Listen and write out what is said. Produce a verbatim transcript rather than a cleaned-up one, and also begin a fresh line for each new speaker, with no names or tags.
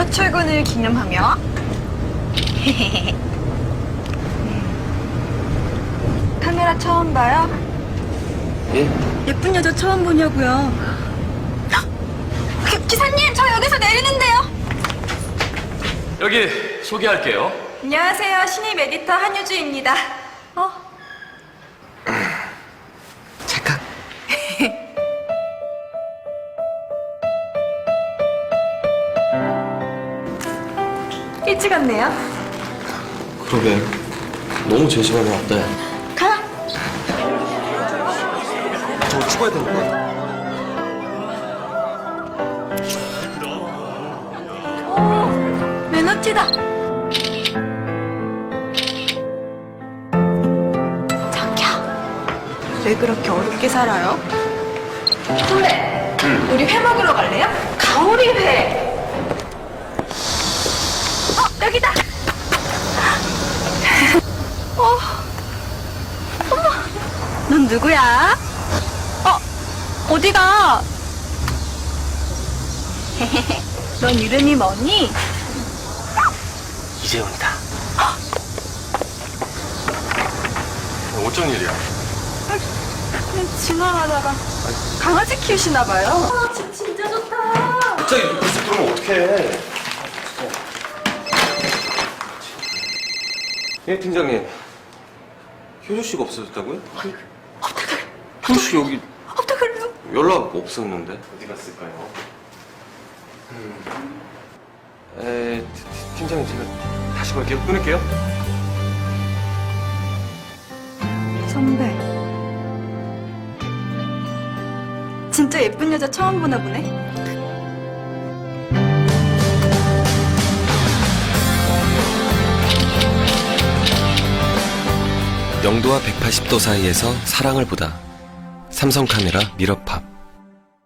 첫 출근을 기념하며 카메라 처음 봐요?
예?
예쁜 여자 처음 보냐고요. 기, 기사님, 저 여기서 내리는데요.
여기 소개할게요.
안녕하세요. 신입 에디터 한유주입니다. 어?
잠깐.
일찍 왔네요.
그러게. 너무 제 시간에 왔다.
가.
저 추가해야 되니까.
오, 매너티다. 자기야, 왜 그렇게 어렵게 살아요? 선배,
응.
우리 회 먹으러 갈래요? 가오리 회. 어, 여기다. 어, 어머, 넌 누구야? 어, 어디가? 넌 이름이 뭐니?
이재훈이다. 어쩐 일이야?
그냥 지나가다가 강아지 키우시나 봐요. 아, 집 진짜 좋다.
갑자기 벌써 그러면 어떡해. 예, 팀장님. 효주 씨가 없어졌다고요?
어떡해,
효주 씨 여기
어떡해요?
연락 없었는데. 어디 갔을까요? 음. 에, 티- 티- 팀장님 제가 다시 걸게요. 끊을게요.
선배, 진짜 예쁜 여자 처음 보나 보네.
영도와 백팔십 도 사이에서 사랑을 보다. 삼성 카메라 미러팝.